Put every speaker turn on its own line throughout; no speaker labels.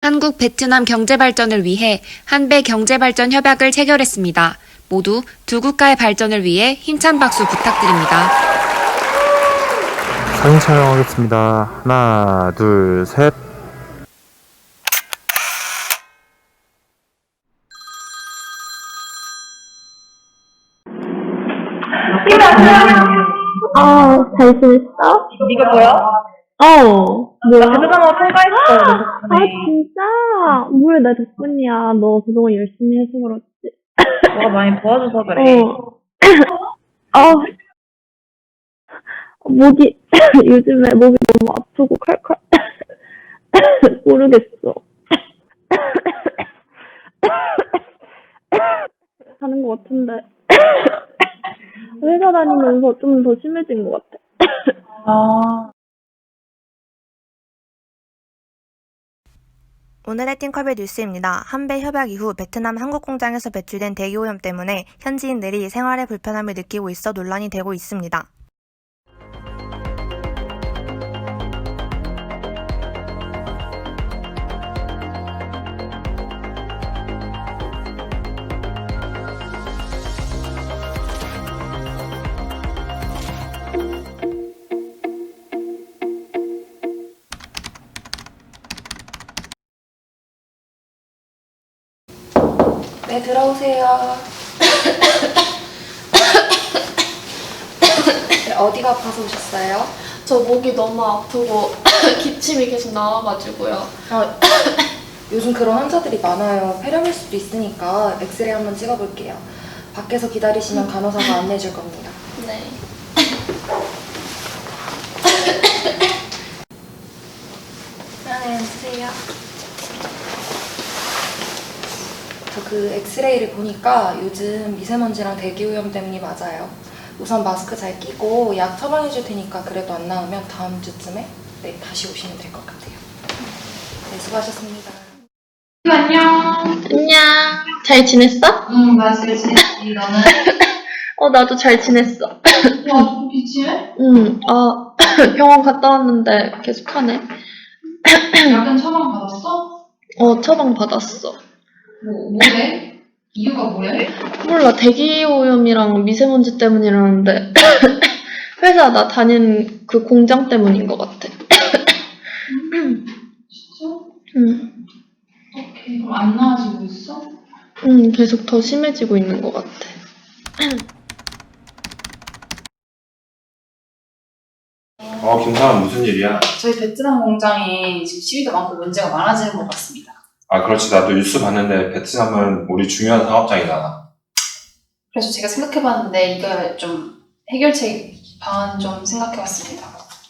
한국 베트남 경제 발전을 위해 한배 경제 발전 협약을 체결했습니다. 모두 두 국가의 발전을 위해 힘찬 박수 부탁드립니다.
사진 촬영하겠습니다. 하나, 둘, 셋.
잘 지냈어?
이게 뭐야?
뭐야?
베트남어 통과했어, 너 덕분에.
진짜? 뭐야, 나 덕분이야. 너 그동안 열심히 해서 그렇지.
너가 많이 도와줘서 그래.
목이, 요즘에 목이 너무 아프고 칼칼. 모르겠어. 하는 것 같은데. 회사 다니면서 좀 더 심해진 것 같아.
아,
오늘의 띵커벨 뉴스입니다. 한배 협약 이후 베트남 한국 공장에서 배출된 대기오염 때문에 현지인들이 생활에 불편함을 느끼고 있어 논란이 되고 있습니다.
네, 들어오세요. 어디가 아파서 오셨어요?
저 목이 너무 아프고 기침이 계속 나와가지고요.
요즘 그런 환자들이 많아요. 폐렴일 수도 있으니까 엑스레이 한번 찍어볼게요. 밖에서 기다리시면 간호사가 안내해 줄 겁니다.
네.
네, 앉으세요. 저 그 엑스레이를 보니까 요즘 미세먼지랑 대기오염 때문이 맞아요. 우선 마스크 잘 끼고 약 처방해 줄 테니까 그래도 안 나오면 다음 주쯤에 다시 오시면 될 것 같아요. 네, 수고하셨습니다.
안녕. 잘 지냈어?
응, 나 잘 지냈지. 너는?
나도 잘 지냈어.
와, 좀 기침해?
병원 갔다 왔는데 계속하네.
약은 처방 받았어?
처방 받았어.
뭐래? 이유가 뭐래?
몰라, 대기오염이랑 미세먼지 때문이라는데 회사 나 다니는 그 공장 때문인 것 같아.
진짜?
응,
어떡해. 그럼 안 나아지고 있어?
계속 더 심해지고 있는 것 같아.
김사람 무슨 일이야?
저희 베트남 공장에 지금 시위도 많고 문제가 많아지는 것 같습니다.
아, 그렇지. 나도 뉴스 봤는데 베트남은 우리 중요한 사업장이잖아.
그래서 제가 생각해봤는데 이거 좀 해결책 방안 좀 생각해봤습니다.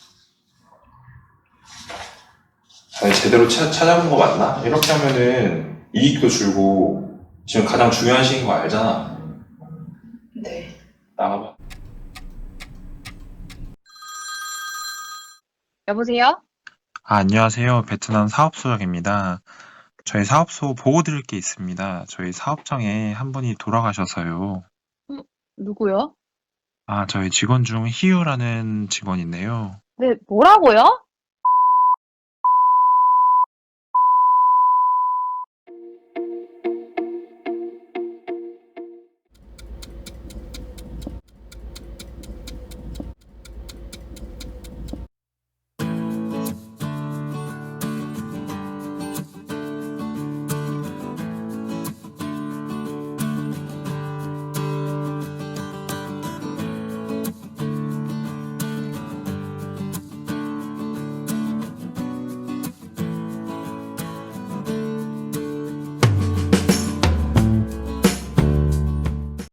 아니, 제대로 찾아본 거 맞나? 이렇게 하면은 이익도 줄고 지금 가장 중요한 시기인 거 알잖아.
네.
나가봐.
여보세요?
안녕하세요. 베트남 사업소장입니다. 저희 사업소 보고 드릴 게 있습니다. 저희 사업장에 한 분이 돌아가셔서요.
누구요?
저희 직원 중 희유라는 직원인데요.
네, 뭐라고요?